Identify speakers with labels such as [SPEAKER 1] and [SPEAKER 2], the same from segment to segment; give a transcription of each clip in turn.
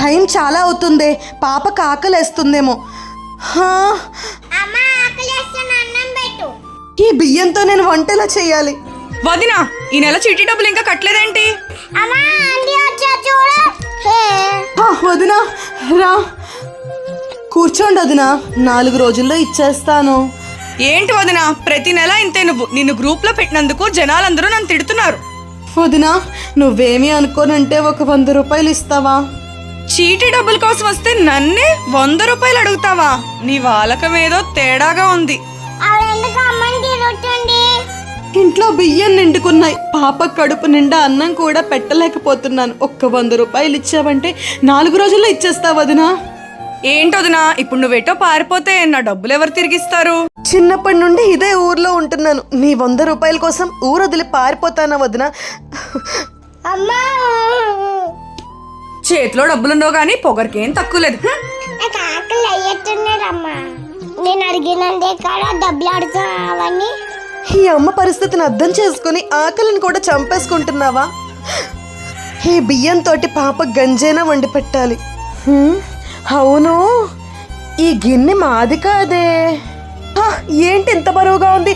[SPEAKER 1] Time చాలా అవుతుంది, పాపకు ఆకలేస్తుందేమో. ఈ బియ్యంతో నేను వంటలా చేయాలి.
[SPEAKER 2] వదినా, ఈ నెల చీటీ డబ్బులు ఇంకా కట్టలేదేంటి?
[SPEAKER 1] వదినా రా కూర్చోండి వదినా, 4 రోజుల్లో ఇచ్చేస్తాను.
[SPEAKER 2] ఏంటి వదినా, ప్రతి నెల ఇంతే. నిన్ను గ్రూప్ లో పెట్టినందుకు జనాలందరూ నన్ను తిడుతున్నారు.
[SPEAKER 1] వదినా, నువ్వేమీ అనుకోనంటే ఒక 100 రూపాయలు ఇస్తావా?
[SPEAKER 2] చీటీ డబ్బుల కోసం వస్తే నన్నే 100 రూపాయలు అడుగుతావా? నీ వాలకం ఏదో తేడాగా ఉంది.
[SPEAKER 1] ఇంట్లో బియ్యం నిండుకున్నాయి, పాప కడుపు నిండా అన్నం కూడా పెట్టలేకపోతున్నాను. ఒక్క 100 రూపాయలు ఇచ్చావంటే 4 రోజుల్లో ఇచ్చేస్తా వదినా.
[SPEAKER 2] ఏంటొదినా, ఇప్పుడు నువ్వేటో పారిపోతే నా డబ్బులు ఎవరు తిరిగిస్తారు?
[SPEAKER 1] చిన్నప్పటి నుండి ఇదే ఊర్లో ఉంటున్నాను. నీ 100 రూపాయల కోసం ఊరు వదిలి పారిపోతానా వదినా?
[SPEAKER 2] చేతిలో డబ్బులుండవు కానీ పొగరికేం తక్కువ లేదు.
[SPEAKER 3] నేను అడిగినందే కాడా డబ్బులు అడుగుతావని.
[SPEAKER 1] ఈ అమ్మ పరిస్థితిని అర్థం చేసుకుని ఆకలిని కూడా చంపేసుకుంటున్నావా? ఈ బియ్యంతో పాప గంజైనా వండి పెట్టాలి. అవును, ఈ గిన్నె మాది కాదే. ఏంటి ఇంత బరువుగా ఉంది?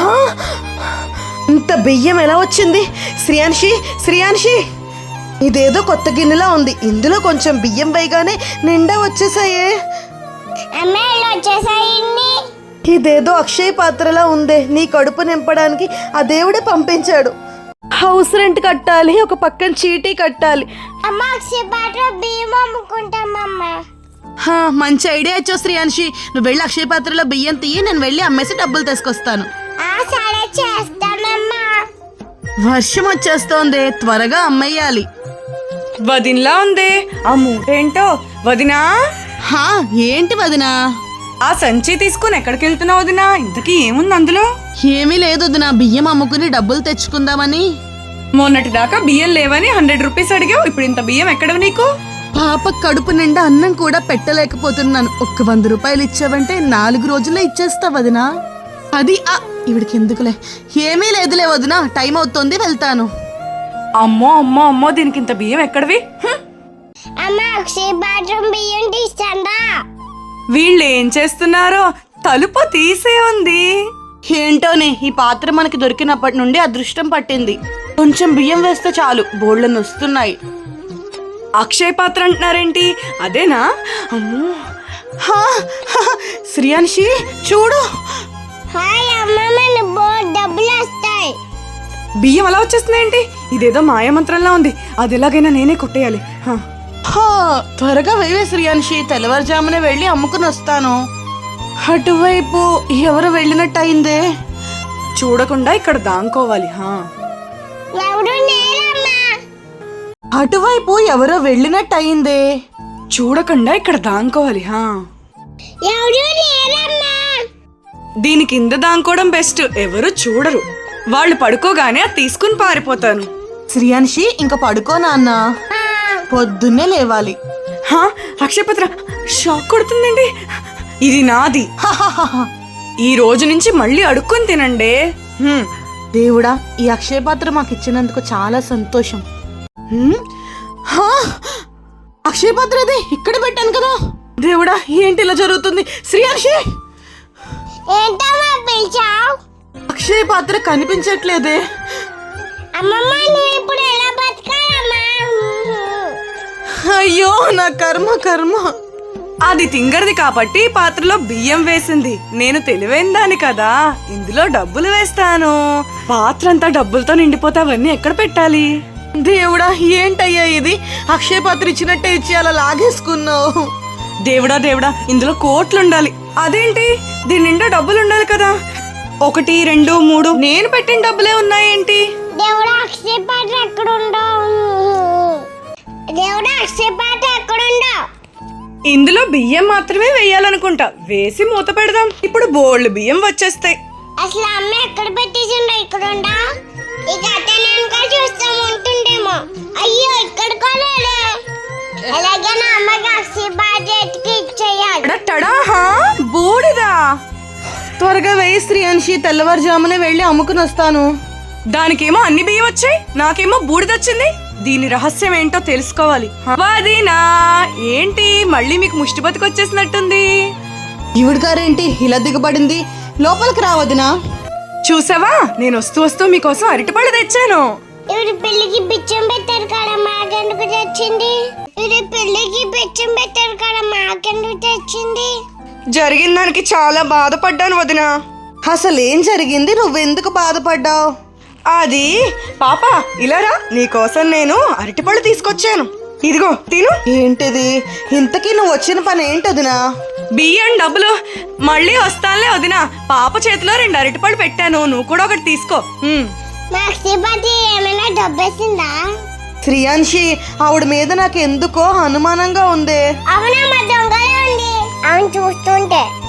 [SPEAKER 1] ఇంత బియ్యం ఎలా వచ్చింది? శ్రియాన్షి, ఇదేదో కొత్త గిన్నెలా ఉంది. ఇందులో కొంచెం బియ్యం వేయగానే నిండా వచ్చేసాయే. ఇదేదో అక్షయ పాత్రలా ఉందే. నీ కడుపు నింపడానికి ఆ దేవుడే పంపించాడు. హౌస్ రెంట్ కట్టాలి, ఒక పక్కన చీటీ కట్టాలి. మంచి ఐడియా ఇచ్చావు శ్రీయాన్షి. నువ్వు వెళ్ళి అక్షయ పాత్రలో బియ్యం తీయి, నేను వెళ్ళి అమ్మేసి డబ్బులు తీసుకొస్తాను. వర్షం వచ్చేస్తోంది, త్వరగా అమ్మేయాలి.
[SPEAKER 2] వదినలా ఉందే ఆ మూటేంటో. వదినా,
[SPEAKER 1] ఏంటి వదినా?
[SPEAKER 2] ఆ సంచి తీసుకుని ఎక్కడికి వెళ్తున్నావు వదినా? ఇంతకీ ఏముంది అందులో?
[SPEAKER 1] ఏమీ లేదు వదినా, బియ్యం అమ్ముకుని డబ్బులు తెచ్చుకుందామని.
[SPEAKER 2] మొన్నటి దాకా బియ్యం లేవని 100 రూపీస్ అడిగావు, ఇప్పుడు ఇంత బియ్యం ఎక్కడ నీకు?
[SPEAKER 1] పాప కడుపు నిండా అన్నం కూడా పెట్టలేకపోతున్నాను. ఒక్క 100 రూపాయలు ఇచ్చావంటే 4 రోజుల్లో ఇచ్చేస్తా వదినా. అది ఇవిడికి ఎందుకులే. ఏమీ లేదులే వదినా, టైం అవుతోంది, వెళ్తాను.
[SPEAKER 2] అమ్మో అమ్మో అమ్మో, దీనికి ఇంత బియ్యం ఎక్కడివి? వీళ్ళు ఏం చేస్తున్నారో, తలుపు తీసే ఉంది.
[SPEAKER 1] ఏంటోనే, ఈ పాత్ర మనకి దొరికినప్పటి నుండి అదృష్టం పట్టింది. కొంచెం బియ్యం వేస్తే చాలు, బోళ్ళను వస్తున్నాయి.
[SPEAKER 2] అక్షయ పాత్ర అంటున్నారేంటి? అదేనా? అమ్మో,
[SPEAKER 1] శ్రియాన్షి చూడు,
[SPEAKER 2] బియ్యం అలా వచ్చేస్తున్నాయేంటి? ఇదేదో మాయమంత్రంలా ఉంది. అది ఎలాగైనా నేనే కొట్టేయాలి.
[SPEAKER 1] త్వరగా వేవే శ్రియాన్షి, తెల్లవారుజామునే వెళ్ళి అమ్ముకుని వస్తాను. అటువైపు ఎవరు వెళ్ళినట్టు అయిందే.
[SPEAKER 2] చూడకుండా ఇక్కడ దాంకోవాలి.
[SPEAKER 1] అటువైపు ఎవరో వెళ్ళినట్టు అయిందే.
[SPEAKER 2] చూడకుండా ఇక్కడ దాంకోవాలి. దీని కింద దాంకోవడం బెస్ట్, ఎవరు చూడరు. వాళ్ళు పడుకోగానే అది తీసుకుని పారిపోతాను.
[SPEAKER 1] శ్రియాన్షి, ఇంకా పడుకో నాన్న, పొద్దున్నే లేవాలి.
[SPEAKER 2] అక్షయపత్ర షాక్ కొడుతుందండి. ఇది నాది. ఈ రోజు నుంచి మళ్ళీ అడుక్కొని తినండి.
[SPEAKER 1] దేవుడా, ఈ అక్షయ పాత్ర మాకు ఇచ్చినందుకు చాలా సంతోషం. అక్షయ పాత్ర అది ఇక్కడ పెట్టాను కదా. దేవుడా, ఏంటి ఇలా జరుగుతుంది? శ్రియాన్షి, అక్షయ పాత్ర కనిపించట్లేదే. అయ్యో, నా కర్మ.
[SPEAKER 2] అది తింగరది కాబట్టి పాత్రలో బియ్యం వేసింది. నేను తెలివైన దాని కదా, ఇందులో డబ్బులు వేస్తాను. పాత్ర అంతా డబ్బులతో నిండిపోతే అవన్నీ ఎక్కడ పెట్టాలి?
[SPEAKER 1] దేవుడా, ఏంటయ్యా ఇది? అక్షయ పాత్ర ఇచ్చినట్టే ఇచ్చి అలా లాగేసుకున్నావు.
[SPEAKER 2] దేవుడా, ఇందులో కోట్లు ఉండాలి. అదేంటి, దీని నిండా డబ్బులు ఉండాలి కదా. 1, 2, 3 నేను పెట్టిన డబ్బులే ఉన్నాయేంటి? ఇందులో బియ్యం మాత్రమే వేయాలనుకుంటా. వేసి మూత పెడదాం. ఇప్పుడు బోల్డ్ బియ్యం వచ్చేస్తాయి.
[SPEAKER 3] అసలు అమ్మ ఎక్కడ పెట్టేసిండో? ఇక్కడ ఉండా? ఇక అతను చూస్తాం ఉంటుండేమో. అయ్యో, ఇక్కడ కొనాలి. ఎలాగైనా అమ్మకి అక్షయ బాధ్యతకి ఇచ్చేయాలి.
[SPEAKER 2] బూడిదా?
[SPEAKER 1] త్వరగా వేయి శ్రియాన్షి, తెల్లవారుజామునే వెళ్ళి అమ్ముకుని వస్తాను.
[SPEAKER 2] దానికేమో అన్ని బియ్యం వచ్చాయి, నాకేమో బూడిదొచ్చింది. దీని రహస్యం ఏంటో తెలుసుకోవాలి. వదినా, మళ్ళీ మీకు ముష్టి బతుకొచ్చేసినట్టుంది.
[SPEAKER 1] ఈవిడ గారేంటి ఇలా దిగబడింది? లోపలికి రావద్దునా?
[SPEAKER 2] చూసావా, నేను వస్తూ వస్తూ మీకోసం అరటిపళ్ళు తెచ్చాను.
[SPEAKER 3] ఇవి పెళ్లికి బిచ్చం పెట్టారు కదా, మాకెందుకు తెచ్చింది? ఇది పెళ్లికి బిచ్చం పెట్టారు కదా, మాకెందుకు తెచ్చింది?
[SPEAKER 2] జరిగిన దానికి చాలా బాధపడ్డాను వదిన.
[SPEAKER 1] అసలు ఏం జరిగింది? నువ్వెందుకు బాధపడ్డావు?
[SPEAKER 2] అది పాప ఇలారా, నీకోసం నేను అరటిపళ్ళు తీసుకొచ్చాను. ఇదిగో తిను.
[SPEAKER 1] ఏంటిది? ఇంతకీ నువ్వు వచ్చిన పని ఏంటదినా?
[SPEAKER 2] బియ్యం డబ్బులు మళ్ళీ వస్తానులే వదిన. పాప చేతిలో 2 అరటిపళ్ళు పెట్టాను, నువ్వు కూడా ఒకటి తీసుకో.
[SPEAKER 3] మా శ్రీపతి ఏమైనా డబ్బేసిందా?
[SPEAKER 1] శ్రీయాన్షి, ఆవిడ మీద నాకు ఎందుకో అనుమానంగా ఉంది.
[SPEAKER 3] అవునా, మా దొంగలే ఉంది. అవును, చూస్తుంటే